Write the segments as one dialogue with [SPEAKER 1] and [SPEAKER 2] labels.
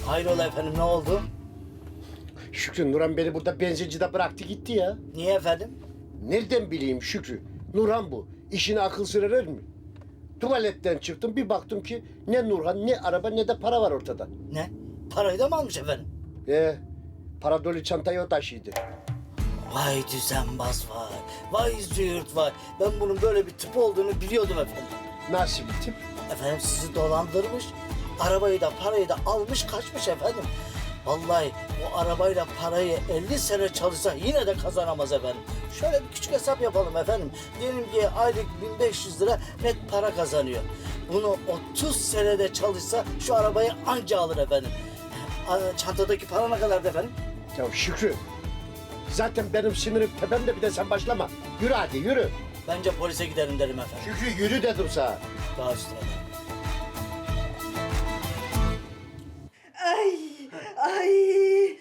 [SPEAKER 1] Hayrola efendim, ne oldu?
[SPEAKER 2] Şükrü, Nurhan beni burada benzincide bıraktı gitti ya.
[SPEAKER 1] Niye efendim?
[SPEAKER 2] Nereden bileyim Şükrü? Nurhan bu. İşine akıl sır erer mi? Tuvaletten çıktım, bir baktım ki ne Nurhan, ne araba, ne de para var ortada.
[SPEAKER 1] Ne? Parayı da mı almış efendim?
[SPEAKER 2] Para dolu çantayı o taşıydı.
[SPEAKER 1] Vay düzenbaz vay. Vay züğürt vay. Ben bunun böyle bir tip olduğunu biliyordum efendim.
[SPEAKER 2] Nasıl bir tip?
[SPEAKER 1] Efendim sizi dolandırmış. Arabayı da parayı da almış kaçmış efendim. Vallahi bu arabayla parayı 50 sene çalışsa yine de kazanamaz efendim. Şöyle bir küçük hesap yapalım efendim. Diyelim ki aylık 1500 lira net para kazanıyor. Bunu 30 senede çalışsa şu arabayı anca alır efendim. Çantadaki para ne kadardı efendim?
[SPEAKER 2] Ya Şükrü, zaten benim sinirim tepemde, bir de sen başlama. Yürü hadi, yürü.
[SPEAKER 1] Bence polise gidelim derim efendim.
[SPEAKER 2] Şükrü yürü dedim sana.
[SPEAKER 1] Daha üstüne.
[SPEAKER 3] Ay.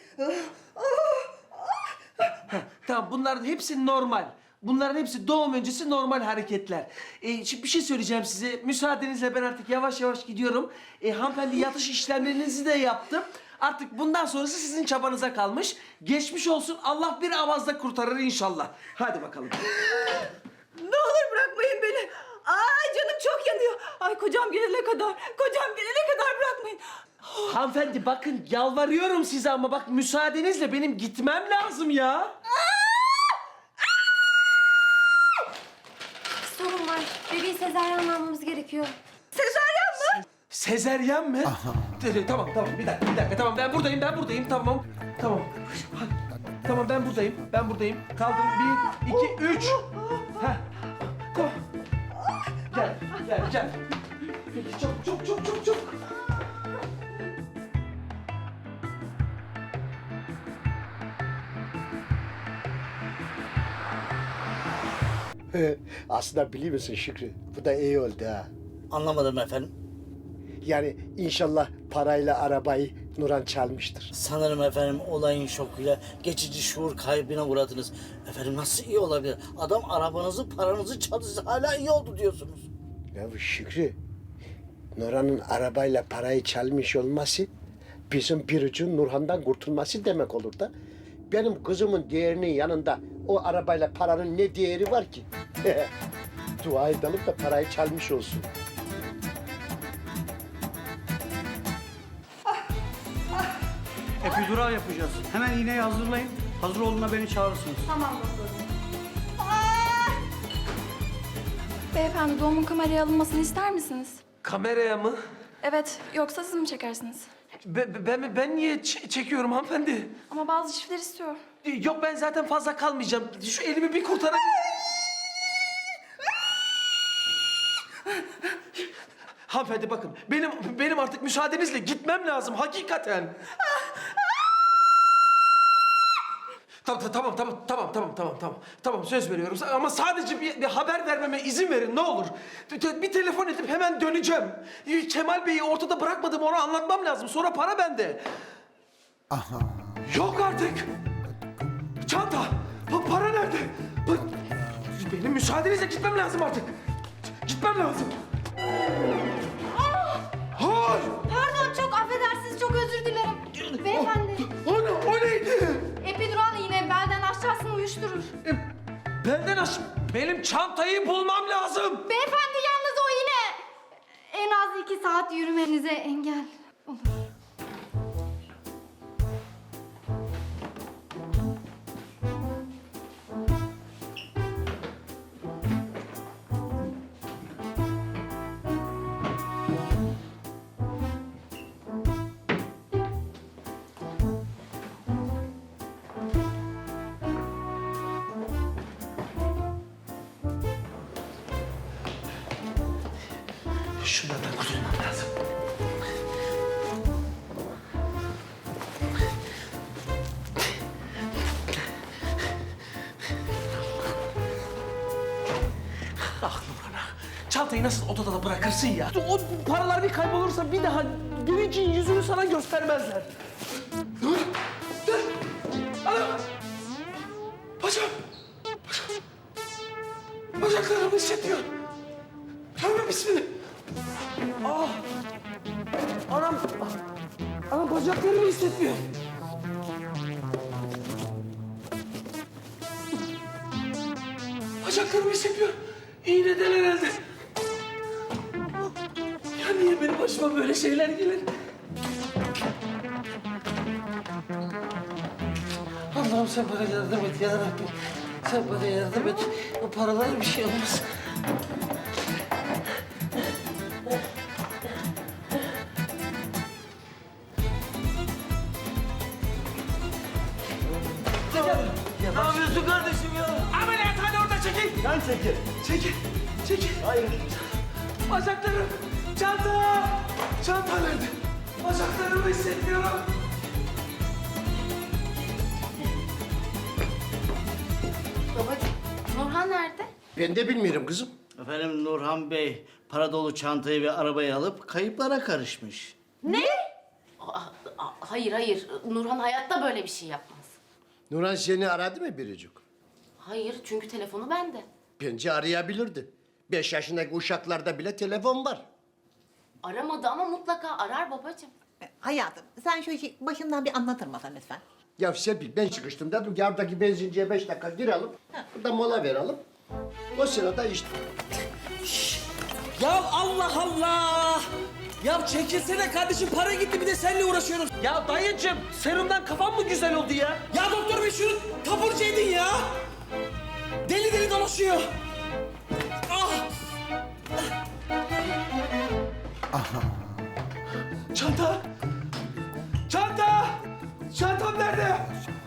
[SPEAKER 4] Tamam, bunların hepsi normal. Bunların hepsi doğum öncesi normal hareketler. Şimdi bir şey söyleyeceğim size. Müsaadenizle ben artık yavaş yavaş gidiyorum. Hanımefendi, yatış işlemlerinizi de yaptım. Artık bundan sonrası sizin çabanıza kalmış. Geçmiş olsun. Allah bir avazda kurtarır inşallah. Hadi bakalım.
[SPEAKER 3] Ne olur bırakmayın beni. Ay canım çok yanıyor. Ay kocam gelene kadar bırakmayın.
[SPEAKER 4] Hanımefendi bakın, yalvarıyorum size ama bak müsaadenizle benim gitmem lazım ya.
[SPEAKER 5] Sorun var. Bebeği sezaryen almamız gerekiyor.
[SPEAKER 3] Sezaryen mı?
[SPEAKER 4] Sezeryen mi? Tamam, bir dakika. Tamam, ben buradayım, tamam. Tamam, ben buradayım. Kaldır, 1, 2, 3. Heh, tamam. Gel. Peki, çok.
[SPEAKER 2] Aslında biliyor musun Şükrü, bu da iyi oldu ha.
[SPEAKER 1] Anlamadım efendim.
[SPEAKER 2] Yani inşallah parayla arabayı Nurhan çalmıştır.
[SPEAKER 1] Sanırım efendim olayın şokuyla geçici şuur kaybına uğradınız. Efendim nasıl iyi olabilir? Adam arabanızı, paranızı çaldı, hala iyi oldu diyorsunuz.
[SPEAKER 2] Ya bu Şükrü, Nurhan'ın arabayla parayı çalmış olması bizim bir ucun Nurhan'dan kurtulması demek olur da. Benim kızımın değerinin yanında o arabayla paranın ne değeri var ki? Dua edelim de parayı çalmış olsun.
[SPEAKER 6] Epidural yapacağız. Hemen iğneyi hazırlayın. Hazır olduğunda beni çağırırsınız.
[SPEAKER 5] Tamam doktorum. Beyefendi, doğumun kameraya alınmasını ister misiniz?
[SPEAKER 4] Kameraya mı?
[SPEAKER 5] Evet, yoksa siz mi çekersiniz?
[SPEAKER 4] Ben niye çekiyorum hanımefendi?
[SPEAKER 5] Ama bazı çiftler istiyor.
[SPEAKER 4] Yok, ben zaten fazla kalmayacağım. Şu elimi bir kurtarabilir. Hanımefendi bakın, benim artık müsaadenizle gitmem lazım hakikaten. Tamam, söz veriyorum ama sadece bir haber vermeme izin verin ne olur. Bir telefon edip hemen döneceğim. Kemal Bey'i ortada bırakmadım, onu anlatmam lazım. Sonra para bende. Yok artık. Çanta. Para nerede? Benim müsaadenizle gitmem lazım artık. Gitmem lazım. Hayır.
[SPEAKER 5] Pardon, çok affedersiniz, çok özür dilerim. Beyefendi,
[SPEAKER 4] O neydi?
[SPEAKER 5] epidural iğne belden aşağısını uyuşturur.
[SPEAKER 4] Benim çantayı bulmam lazım.
[SPEAKER 5] Beyefendi, yalnız o iğne en az 2 saat yürümenize engel olur.
[SPEAKER 4] Şunlardan kurtulmam lazım. Ah Nurhan'a. Çantayı nasıl odada da bırakırsın ya? O paralar bir kaybolursa bir daha geleceğin yüzünü sana göstermezler. Dur. Ana! Bacağım. Bacaklarım hissetmiyor. Tövbe bismillah. Ah! Anam! Anam Bacaklarımı hissetmiyorum. Bacaklarımı hissetmiyorum. İğneden herhalde. Ya niye benim başıma böyle şeyler gelir? Allah'ım sen bana yardım et ya Rabbim. Sen bana yardım et. O paralara bir şey olmaz. Ne yapıyorsun kardeşim ya? Ameliyathane orada çekil.
[SPEAKER 6] Sen çekil.
[SPEAKER 4] Çekil. Çekil.
[SPEAKER 6] Hayır.
[SPEAKER 4] Bacaklarım. Çanta. Çanta nerede? Bacaklarımı hissetmiyorum.
[SPEAKER 5] Babacığım, Nurhan nerede?
[SPEAKER 2] Ben de bilmiyorum kızım.
[SPEAKER 1] Efendim Nurhan Bey para dolu çantayı ve arabayı alıp kayıplara karışmış.
[SPEAKER 7] Hayır. Nurhan hayatta böyle bir şey yapmaz.
[SPEAKER 2] Nurhan seni aradı mı biricik?
[SPEAKER 7] Hayır, çünkü telefonu bende.
[SPEAKER 2] Bence arayabilirdi. 5 yaşındaki uşaklarda bile telefon var.
[SPEAKER 7] Aramadı ama mutlaka arar babacığım.
[SPEAKER 8] Hayatım, sen şu işi başından bir anlatır mısın lütfen?
[SPEAKER 2] Ya Serpil ben çıkıştım dedim ki oradaki benzinciye 5 dakika girelim. Burada mola verelim. O sırada işte.
[SPEAKER 4] Ya Allah Allah! Ya çekilsene kardeşim, para gitti bir de seninle uğraşıyoruz. Ya dayıcığım, serumdan kafam mı güzel oldu ya? Ya doktor bey şunu taburcu edin ya! Deli deli dolaşıyor. Ah! Çanta! Çanta! Çantam nerede?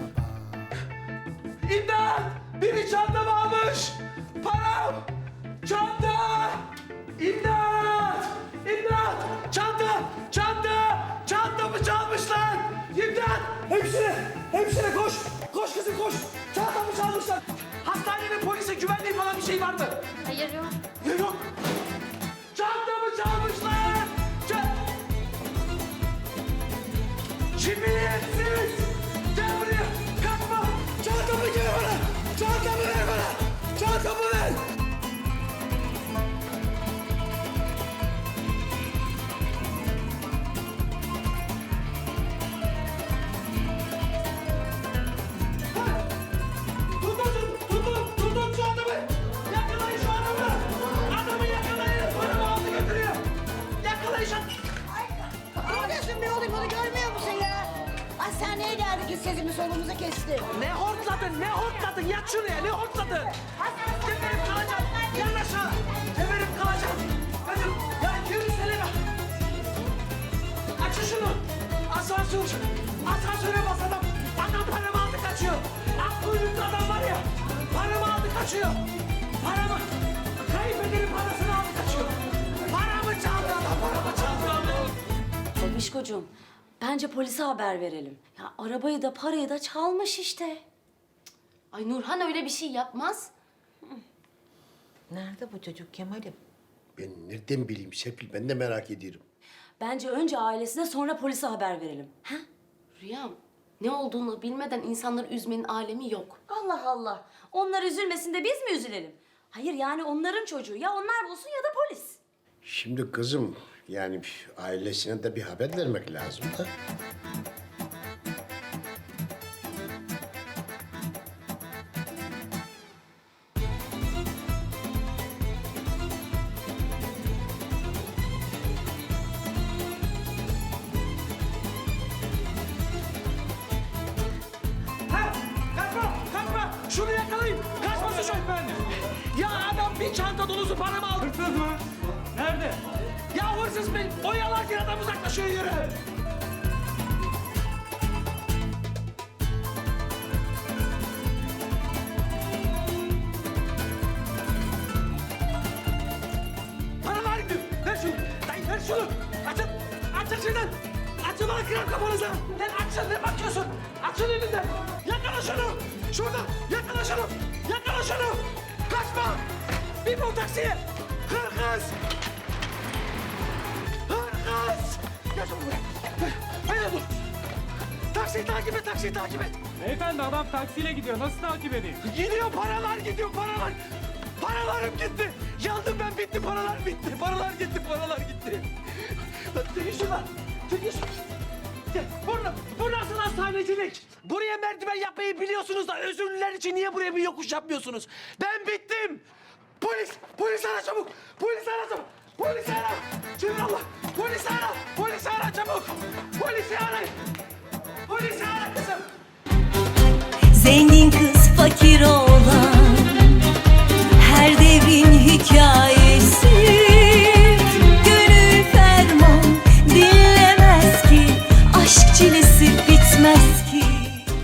[SPEAKER 4] İmdat! Biri çantamı almış! Param! Çanta! İmdat! İmdat! Çanta! Çanta! Çantamı çalmışlar! İmdat! Hemşire! Hemşire koş! Koş kızım koş! Çantamı çalmışlar! Hastanenin polise güvenliği falan bir şey var mı?
[SPEAKER 5] Hayır yok.
[SPEAKER 4] Yok! Çantamı çalmışlar! Cibiyetsiz! Gel buraya! Kaçma! Çantamı gel bana! Çantamı ver bana! Çantamı ver! Tutun şu adamı! Yakalayın şu adamı! Adamı yakalayın! Paramı aldı götürüyor! Yakalayın şu adamı!
[SPEAKER 8] Ne oluyorsun be oğlum, bunu görmüyor musun ya? Hastaneye geldik, biz sesimiz solumuzu kesti.
[SPEAKER 4] Ne hortladın, ne hortladın? Yat şuraya, ne hortladın? Geberim kalacağım, yan aşağı. Geberim kalacağım. Kızım, ya yürüsene be. Açın şunu. Asansör. Asansöre bas adam. Adam paramı aldı kaçıyor. Ak kuyruklu adam var ya. Paramı aldı kaçıyor. Paramı. Kaybederim parasını aldı kaçıyor. Paramı çaldı adam, paramı çaldı.
[SPEAKER 9] Babişkocuğum, bence polise haber verelim. Ya arabayı da parayı da çalmış işte.
[SPEAKER 7] Ay Nurhan öyle bir şey yapmaz.
[SPEAKER 8] Nerede bu çocuk Kemal'im?
[SPEAKER 2] Ben nereden bileyim Serpil, ben de merak ediyorum.
[SPEAKER 9] Bence önce ailesine sonra polise haber verelim. Ha?
[SPEAKER 7] Rüyam, ne olduğunu bilmeden insanları üzmenin alemi yok.
[SPEAKER 9] Allah Allah. Onlar üzülmesin de biz mi üzülelim? Hayır yani onların çocuğu. Ya onlar bulsun ya da polis.
[SPEAKER 2] Şimdi kızım, yani ailesine de bir haber vermek lazım da.
[SPEAKER 4] Ha! Kaçma! Kaçma! Şunu yakalayın! Kaçmasın şu efendi! Ya adam bir çanta dolusu paramı aldı.
[SPEAKER 6] Hırsız mı? Nerede?
[SPEAKER 4] Ya hırsız bey! Oyalarken adam uzaklaşıyor yürü! Paralar gidiyor! Ver şunu! Dayı ver şunu! Açın! Açın şuradan! Açın bana kırar kafanıza! Lan açın ne bakıyorsun? Açın elinden! Yakala şunu! Şurada! Yakala şunu! Yakala şunu! Kaçma! Bir bu taksiye! Hırkız! Hırkız! Gel şunu buraya! Hayır dur! Taksiyi takip et, taksiyi takip et!
[SPEAKER 6] Beyefendi adam taksiyle gidiyor. Nasıl takip edeyim?
[SPEAKER 4] Gidiyor paralar gidiyor paralar! Paralarım gitti! Yandım ben bitti paralar bitti! Paralar gitti paralar gitti! Lan çekil şuradan! Çekil şuradan! Gel vur rezillik. Buraya merdiven yapmayı biliyorsunuz da özürlüler için niye buraya bir yokuş yapmıyorsunuz? Ben bittim. Polis ara çabuk. Polis ara çabuk. Polisi ara. Cemilullah. Polisi ara. Polisi ara çabuk. Polisi ara. Polisi ara kızım.
[SPEAKER 10] Zengin kız fakir olan her devrin hikayesi.